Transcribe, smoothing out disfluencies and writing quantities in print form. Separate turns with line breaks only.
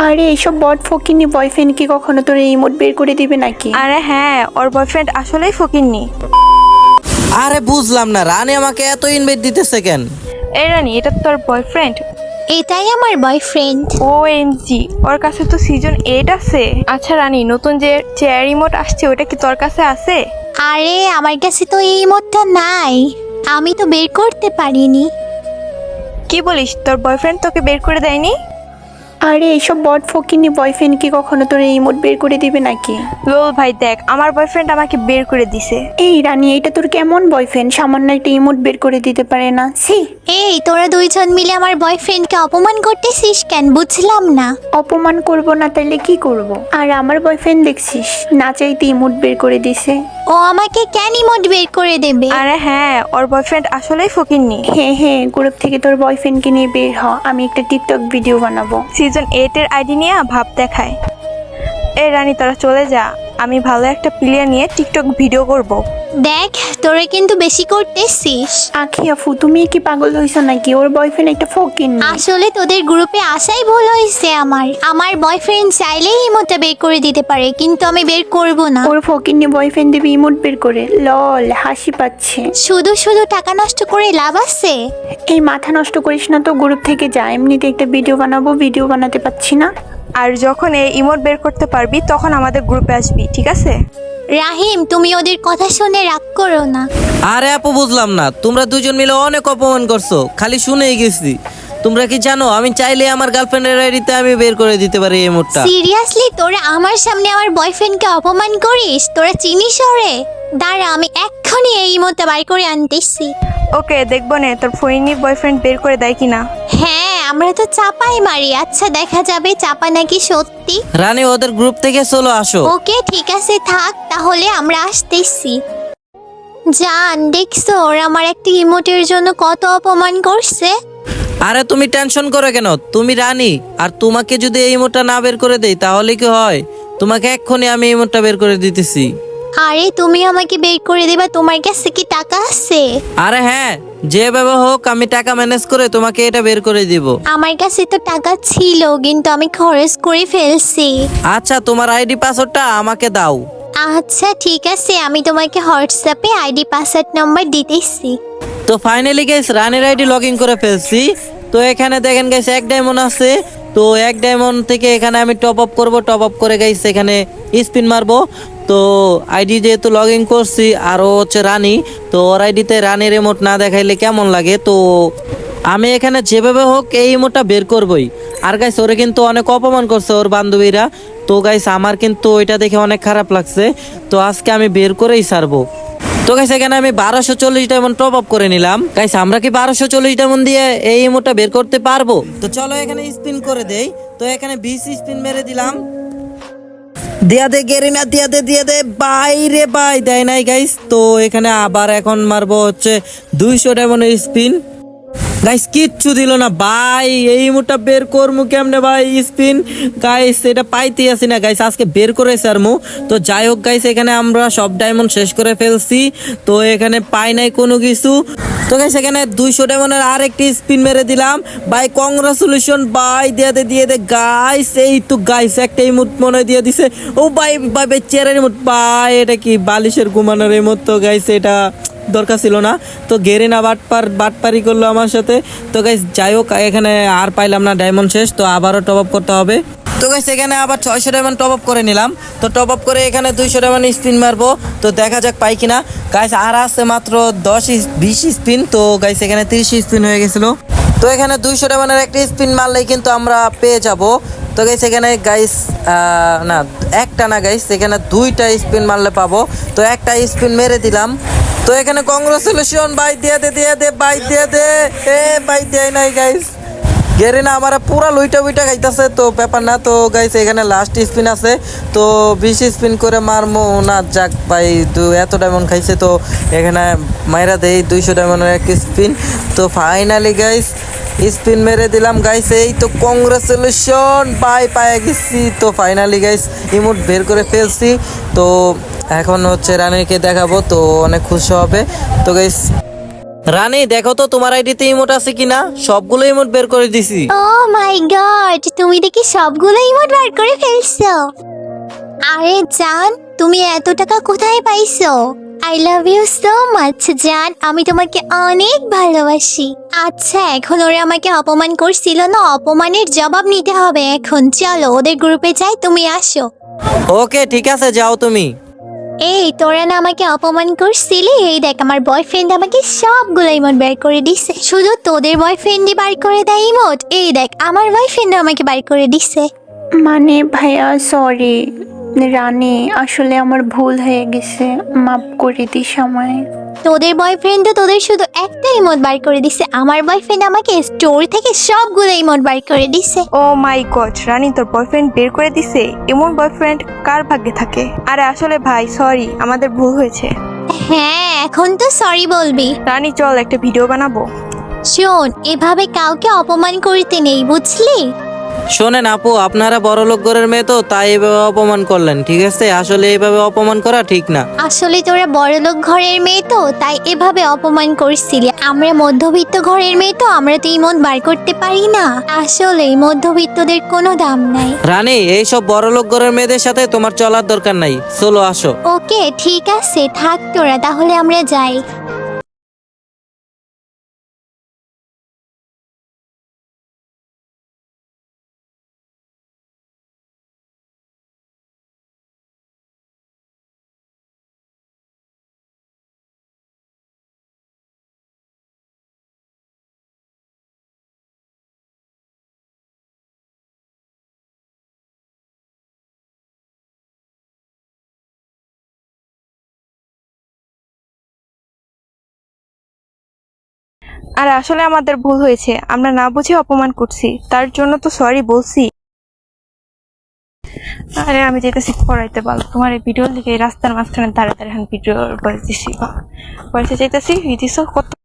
আরে এইসব বট ফকিন্নি বয়ফ্রেন্ড কি কখনো তোর ইমোট বের করে দিবে নাকি?
আরে হ্যাঁ, ওর বয়ফ্রেন্ড আসলেই ফকিন্নি।
আরে বুঝলাম না, রানী আমাকে এত ইনভাইট দিতেছে কেন?
এই রানী, এটা তোর বয়ফ্রেন্ড?
এটাই আমার বয়ফ্রেন্ড।
OMG, ওর কাছে তো সিজন 8 আছে। আচ্ছা রানী, নতুন যে চেয়ার রিমোট আসছে ওটা কি তোর কাছে আছে?
আরে আমার কাছে তো এই ইমোটটা নাই, আমি তো বের করতে পারিনি।
কি বলিস, তোর বয়ফ্রেন্ড তোকে বের করে দেয়নি?
আরে এইসব বট ফকিন্নি বয়ফ্রেন্ড কি কখনো তোর ইমোট বের করে দিবে নাকি?
লোল ভাই দেখ, আমার বয়ফ্রেন্ড আমাকে বের করে দিছে।
এই রানী, এটা তোর কেমন বয়ফ্রেন্ড? সামান্য একটা ইমোট বের করে দিতে পারে না? ছি।
এই তোরা দুইজন মিলে আমার বয়ফ্রেন্ডকে অপমান করতেছিস কেন, বুঝলাম না।
অপমান করব না তাইলে কি করব? আর আমার বয়ফ্রেন্ড দেখছিস না চাইতে ইমোট বের করে দিছে।
ও আমাকে কেন ইমোট বের করে দেবে?
আরে হ্যাঁ, ওর বয়ফ্রেন্ড আসলেই ফকিন্নি।
হ্যাঁ হ্যাঁ, গ্রুপ থেকে তোর বয়ফ্রেন্ডকে নিয়ে বের হ, আমি একটা টিকটক ভিডিও বানাবো।
সিজন 8 এর আইডি নিয়ে ভাব দেখায়। এই রানী তোরা চলে যা, আমি ভালো একটা প্লেয়ার নিয়ে টিকটক ভিডিও করব।
দেখ তোরা কিন্তু বেশি করতেছিস।
আখি আফু, তুমি কি পাগল হইছো নাকি? ওর বয়ফ্রেন্ড একটা ফকিন্নি।
আসলে তোদের গ্রুপে আসাই ভুল হয়েছে। আমার বয়ফ্রেন্ড চাইলেই ইমোটটা বের করে দিতে পারে, কিন্তু আমি বের করব না।
ওর ফকিন্নি বয়ফ্রেন্ড দেবে ইমোট বের করে? লল, হাসি পাচ্ছে।
শুধু শুধু টাকা নষ্ট করে লাভ আছে?
এই মাথা নষ্ট করিস না তো, গ্রুপ থেকে যা, এমনিতে একটা ভিডিও বানাবো, ভিডিও বানাতে পারছি না।
আর যখন এই ইমোট বের করতে পারবি তখন আমাদের গ্রুপে আসবি, ঠিক আছে?
রাহিম, তুমি ওদের কথা শুনে রাগ করো না।
আরে আপু বুঝলাম না, তোমরা দুজন মিলে অনেক অপমান করছো, খালি শুনেই গেছি। তোমরা কি জানো আমি চাইলে আমার গার্লফ্রেন্ডের আইডিতে আমি বের করে দিতে পারি এই মুডটা।
সিরিয়াসলি তোরা আমার সামনে আমার বয়ফ্রেন্ডকে অপমান করিস? তোরা চিনিস ওরে? দাঁড়া, আমি এক্ষুনি এই ইমোটটা বার করে আনতেছি।
ওকে, দেখবো না তোর ফোইনি বয়ফ্রেন্ড বের করে দেয় কিনা।
হ্যাঁ, আমরা তো চাপাই মারি। আচ্ছা দেখা যাবে চাপা নাকি সত্যি।
রানী ওদের গ্রুপ থেকে চলো আসো।
ওকে ঠিক আছে, থাক তাহলে, আমরা আসতেছি। জান, দেখছো ওরা আমার একটা ইমোটের জন্য কত অপমান করছে।
আরে তুমি টেনশন করো কেন? তুমি রানী, আর তোমাকে যদি এই ইমোটটা না বের করে দেই তাহলে কি হয়? তোমাকে এক্ষুনি আমি এই ইমোটটা বের করে দিতেছি।
আরে তুমি আমাকে বের করে দিবা? তোমার কাছে কি টাকা আছে?
আরে হ্যাঁ, যেভাবে হোক আমি টাকা ম্যানেজ করে তোমাকে এটা বের করে দিব।
আমার কাছে তো টাকা ছিল, কিন্তু আমি খরচ করে ফেলছি।
আচ্ছা, তোমার আইডি পাসওয়ার্ডটা আমাকে দাও।
আচ্ছা ঠিক আছে, আমি তোমাকে হোয়াটসঅ্যাপে আইডি পাসওয়ার্ড নাম্বার দিতেছি।
তো ফাইনালি গাইস রানীর আইডি লগ ইন করে ফেলছি। তো এখানে দেখেন গাইস 1 ডায়মন্ড আছে। তো 1 ডায়মন্ড থেকে এখানে আমি টপ আপ করব, টপ আপ করে গাইস এখানে স্পিন মারবো। তো আইডি যেহেতু লগ ইন করছি, আরও হচ্ছে রানী, তো ওর আইডিতে রানীর ইমোট না দেখাইলে কেমন লাগে? তো আমি এখানে যেভাবে হোক এই ইমোটটা বের করবই। আর গাইস ওরে কিন্তু অনেক অপমান করছে ওর বান্ধবীরা। তো গাইস আমার কিন্তু ওইটা দেখে অনেক খারাপ লাগছে। তো আজকে আমি বের করেই ছাড়বো। তো গাইস এখানে আমি 1240 ডায়মন্ড টপ আপ করে নিলাম। গাইস আমরা কি 1240 ডায়মন্ড দিয়ে এই ইমোটটা বের করতে পারবো? তো চলো এখানে স্পিন করে দেই। তো এখানে 20 স্পিন মেরে দিলাম। দিয়া দে গেরিনা, দিয়া দে বাই রে বাই, দেয় নাই গাইস। তো এখানে আবার এখন মারবো হচ্ছে 200 ডায়মন্ডের স্পিন। গাইস কিচ্ছু দিল না ভাই, এই মুটা বের করমু কেমনে ভাই? স্পিন গাইস এটা পাইতে আসি না গাইস, আজকে বের করে সারমু। তো যাই হোক গাইস, এখানে আমরা সব ডায়মন্ড শেষ করে ফেলছি। তো এখানে পাই নাই কোনো কিছু। তো গাইস এখানে 200 ডায়মন্ডের আরেকটি স্পিন মেরে দিলাম ভাই। কংগ্রাচুলেশন ভাই, দিয়ে দে গাইস। এই তো গাইস একটা ইমোট মনে দিয়ে দিছে। ও ভাই ভাই চেয়ারের ইমোট ভাই, এটা কি বালিশের ঘুমানোর ইমোট? তো গাইস এটা দরকার ছিল না। তো গেরিনা বাটপারি করলো আমার সাথে। তো গাইস যাই হোক, এখানে আর পাইলাম না, ডায়মন্ড শেষ। তো আবারও টপ আপ করতে হবে। তো গাইস এখানে আবার 600 ডায়মন্ড টপ আপ করে নিলাম। তো টপ আপ করে এখানে 200 ডায়মন্ড স্পিন মারবো। তো দেখা যাক পাই কিনা। গাইস আর আছে মাত্র 20 স্পিন। তো গাইস এখানে 30 স্পিন হয়ে গেছিল। তো এখানে 200 ডায়মন্ডের একটা স্পিন মারলেই কিন্তু আমরা পেয়ে যাব। তো গাইস এখানে গাইস না একটা না গাইস, এখানে 2টা স্পিন মারলে পাবো। তো একটা স্পিন মেরে দিলাম। তো এখানে কংগ্রাচুলেশন ভাই, দিয়ে দে ভাই, দিয়ে দে। এ ভাই দেয় নাই গাইস। গেরিনা আমার পুরা লুইটা খাইতেছে। তো ব্যাপার না। তো গাইস এখানে লাস্ট স্পিন আছে। তো 20 স্পিন করে মারমো না, যাক ভাই এত ডায়মন্ড খাইছে। তো এখানে মাইরা দেই 200 ডায়মন্ডের এক স্পিন। তো ফাইনালি গাইস স্পিন মেরে দিলাম গাইস। এই তো কংগ্রাচুলেশন ভাই, পায়ে গেছি। তো ফাইনালি গাইস ইমোট বের করে ফেলছি। তো এখন হচ্ছে রানীকে দেখাবো, তো অনেক খুশি হবে। তো গাইস রানী দেখো তো তোমার আইডিতে ইমোট আছে কিনা, সবগুলো ইমোট বের করে দিছি।
ও মাই গড, তুমি দেখি সবগুলো ইমোট বার করে ফেলছো। আরে জান, তুমি এত টাকা কোথায় পাইছো? I love you so much জান, আমি তোমাকে অনেক ভালোবাসি। আচ্ছা, এখন ওরা আমাকে অপমান করছিল না, অপমানের জবাব নিতে হবে এখন। চলো ওদের গ্রুপে যাই, তুমি আসো।
ওকে ঠিক আছে, যাও তুমি।
এই তোরা না আমাকে অপমান করছিলি, এই দেখ আমার বয়ফ্রেন্ড আমাকে সবগুলো ইমোট বের করে দিছে। শুধু তোদের বয়ফ্রেন্ডই বার করে দেয় ইমোট? এই দেখ আমার বয়ফ্রেন্ড আমাকে বার করে দিছে।
মানে ভাইয়া সরি, রানী আসলে আমার ভুল হয়ে গেছে, মাফ করে দিস আমায়।
তোদের বয়ফ্রেন্ড তো তোদের শুধু একটা ইমোট বার করে দিছে, আমার বয়ফ্রেন্ড আমাকে স্টোর থেকে সবগুলো ইমোট বার করে দিছে।
ও মাই গড, রানী তোর বয়ফ্রেন্ড বের করে দিছে? এমন বয়ফ্রেন্ড কার ভাগ্যে থাকে? আরে আসলে ভাই সরি, আমাদের ভুল হয়েছে।
হ্যাঁ, এখন তো সরি বলবি।
রানী চল একটা ভিডিও বানাবো।
শোন, এভাবে কাউকে অপমান করতে নেই, বুঝলি?
শোনেন আপু, আপনারা বড়লোক ঘরের মেয়ে তো তাই এভাবে অপমান করলেন, ঠিক আছে? আসলে এইভাবে অপমান করা ঠিক না।
আসলে তোরা বড়লোক ঘরের মেয়ে তো তাই এভাবে অপমান করছিলি। আমরা মধ্যবিত্ত ঘরের মেয়ে তো, আমরা তো ইমোট বার করতে পারি না। আসলে মধ্যবিত্তদের কোনো দাম নাই।
রানী, এইসব বড়লোক ঘরের মেয়েদের সাথে তোমার চলার দরকার নাই, চলো আসো।
ওকে ঠিক আছে, থাক তোরা, তাহলে আমরা যাই।
আরে আসলে আমাদের ভুল হয়েছে, আমরা না বুঝে অপমান করছি, তার জন্য তো সরি বলছি। আরে আমি যেতেছি পড়াইতে পারবো তোমার এই ভিডিও লিখে রাস্তার মাঝখানে দাঁড়িয়ে দাঁড়িয়ে ভিডিও বয়স দিছি, বয়সে যেতেছি দিছ কত